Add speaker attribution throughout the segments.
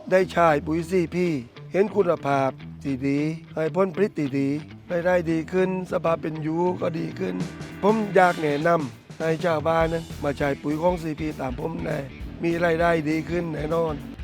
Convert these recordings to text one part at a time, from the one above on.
Speaker 1: ได้ใช้ปุ๋ยซีพีเห็นคุณภาพที่ดีให้ผลผลิตที่ดีได้ดีขึ้นสภาพเป็นอยู่ก็ดีขึ้นผมอยากแนะนำให้ชาวบ้านนั้นมาใช้ปุ๋ยของซีพีตามผมได้มีรายได้ดีขึ้นแน่นอน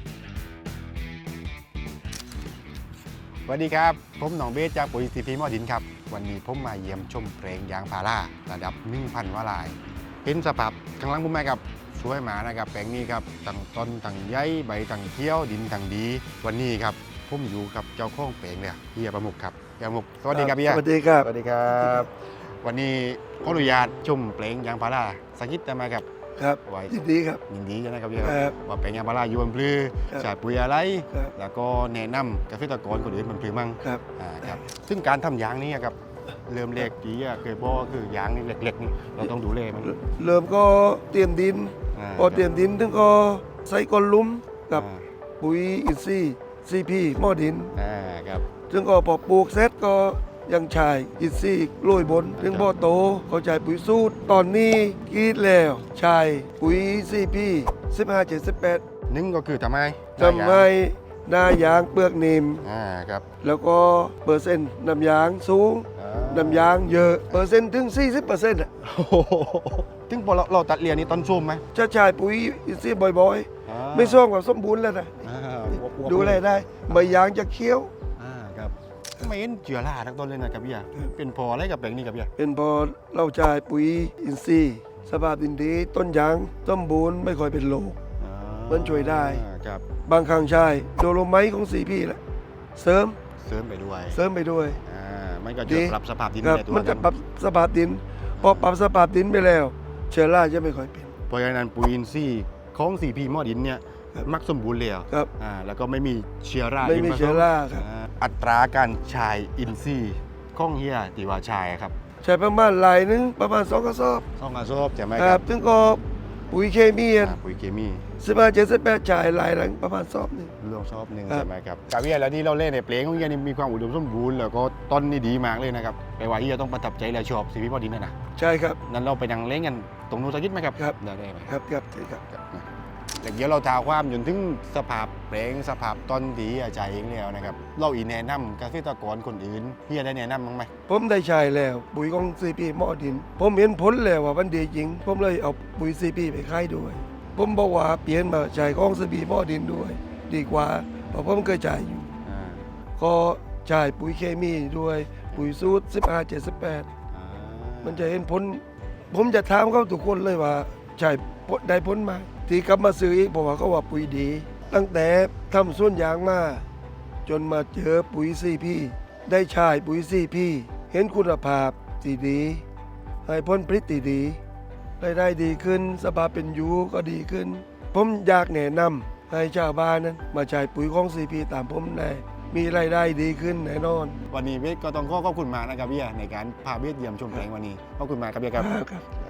Speaker 2: สวัสดีครับผมหนองเบสจากปุ๋ยซีพีหม้อดินครับวันนี้ผมมาเยี่ยมชมแปลงยางพาราระดับ 1,000 วาลายเห็นสภาพข้างหลังผมไหมครับสวยหมานะครับแปลงนี้ครับตั้งต้นตั้งใยใบตั้งเขียวดินตั้งดี วันนี้ครับผมอยู่กับเจ้าของแปลงเลยเฮียประมุขครับเฮียประมุขสวัสดีครับเฮีย
Speaker 1: สวัสดีครับ
Speaker 2: สวัสดีครับ วันนี้ขออนุญาตชมแปลงยางพาราสักนิดได้ไหมครับ
Speaker 1: ครับ
Speaker 2: ไว้
Speaker 1: ยินดีครับ
Speaker 2: ยินดีนะครับเฮีย
Speaker 1: ครับ
Speaker 2: ว่าแปลงยางพาราอยู่บนพลือ
Speaker 1: ครับ
Speaker 2: ใช้ปุ๋ยอะไร
Speaker 1: ครับ
Speaker 2: แล้วก็แนะนำเกษตรกรคนอื่นบนพลือมั่ง
Speaker 1: ครับ
Speaker 2: ครับซึ่งการทำยางนี้ครับเริ่มเล็กที่เคยบอกว่าคือยางนี่เล็กๆนี่เราต้องดูแลมัน
Speaker 1: เริ่มก็เตรียมดินพอเตรียมดินถึงก็ใส่ก้นหลุมกับปุ๋ยอินทรีย์ซีพีหม้อดิน
Speaker 2: ครับ
Speaker 1: ถึงก็พอปลูกเสร็จก็ยังใช้อินทรีย์โรยบนถึงพอโตเขาใช้ปุ๋ยสูตรตอนนี้กรีดแล้วใช้ปุ๋ยซีพี15-78
Speaker 2: นึ่งก็คือทำไม
Speaker 1: ทำให้หน้ายางเปลือกนิ่ม
Speaker 2: ครับ
Speaker 1: แล้วก็เปอร์เซ็นต์น้ำยางสูงน้ำยางเยอะเปอร์เซ็นต์ถึง 40%อ่ะ
Speaker 2: โอ้โหถึงพอเราตัดเรียนนี่ต้นชุ่มไหม
Speaker 1: จะใช้ปุ๋ยอินทรีย์บ่อยๆ ไม่ส่งกับสมบูรณ์แล้วนะดูแลได้ใบยางจะเคี้ยว
Speaker 2: ครับไม่เห็นเจือราทั้งต้นเลยนะครับพี่เป็นพออะไรกับแปลงนี้ครับพี่
Speaker 1: เป็นพอเราใช้ปุ๋ยอินทรีย์สภาพดินดีต้นยางสมบูรณ์ไม่ค่อยเป็นโรค มันช่วยได้
Speaker 2: ครับ
Speaker 1: บางครั้งใช้โดโลไมต์ของซีพีแหละเสริม
Speaker 2: เสริมไปด้วย
Speaker 1: ไปด้วย
Speaker 2: มันก็จะปรับสภาพดิน
Speaker 1: ครับ
Speaker 2: ในตัว
Speaker 1: มันจะปรับสภาพดินพอปรับสภาพดินไปแล้ว เชื้อราจะไม่ค่อยเป็น
Speaker 2: เพราะฉะนั้นปุ๋ยอินทรีย์ของ4P หม้อดินเนี่ย
Speaker 1: ครับ
Speaker 2: มักสมบูรณ์แล้ว
Speaker 1: ครับ
Speaker 2: แล้วก็ไม่มีเชื้อรา
Speaker 1: ไม่มีเชื้อราครับ
Speaker 2: อัตราการใช้อินทรีย์ของเฮียตีว่าใช้ครับ
Speaker 1: ใช้ประมาณลายนึงประมาณ2กระสอบ
Speaker 2: ต้องกระสอบใช่ไหม
Speaker 1: ค
Speaker 2: ค
Speaker 1: รั
Speaker 2: รั
Speaker 1: บบ ถึงก็ปุ๋ยเคมี
Speaker 2: ปุ๋ยเคมี
Speaker 1: 15-78จ่ายลายหลังประมาณสอบหนึง
Speaker 2: รวมชอบหนึ่ง
Speaker 1: ครับ
Speaker 2: ใช่ไหมครับกับเฮียแล้วนี่เราเล่นในเพลงของเฮียนี่มีความอุดมสมบูรณ์แล้วก็ต้นนี่ดีมากเลยนะครับแปลว่าเฮียต้องประทับใจและชอบ4P หม้อดินนะ
Speaker 1: ใช่ครับ
Speaker 2: นั้นเราไปนั่งเล่นกันตรงนู้นสักนิดไหมครับ
Speaker 1: ครับ
Speaker 2: ได้ไหม
Speaker 1: ครับครับใช่ครับ
Speaker 2: แต่เดี๋ยวเราท้าความจนถึงสภาพเพลงสภาพต้นดีอาจารย์เองแล้วนะครับเราอีแนะนำเกษตรกรคนอื่นเฮียได้แนะนำบ้างไหม
Speaker 1: ผมได้ใช้แล้วปุ๋ยของซีพีหม้อดิน ผมเห็นผลแล้วว่ามันดีจริง ผมเลยเอาปุ๋ยซีพีไปขายด้วย ผมบอกว่าเปลี่ยนมาใช้ของซีพีหม้อดินด้วย ดีกว่าเพราะผมเคยใช้อยู่ ก็ใช้ปุ๋ยเคมีด้วยปุ๋ยสูตร15-78มันจะเห็นผลผมจะถามเขาทุกคนเลยว่าใช้ได้ผลไหมที่กลับมาซื้ออีกเพราะว่าเขาว่าปุ๋ยดี ตั้งแต่ทำสวนยางมาจนมาเจอปุ๋ยซีพีได้ใช้ปุ๋ยซีพีเห็นคุณภาพที่ดีให้ผลผลิตที่ดีได้ดีขึ้นสภาพเป็นอยู่ก็ดีขึ้น ผมอยากแนะนำให้ชาวบ้านนั้นมาใช้ปุ๋ยของซีพีตามผมได้มีรายได้ดีขึ้นแน่นอน
Speaker 2: วันนี้เบสก็ต้องขอบคุณมากนะครับเฮียในการพาเบสเยี่ยมชมแปลงวันนี้ขอบคุณมากครับเฮียครับ
Speaker 1: ครับ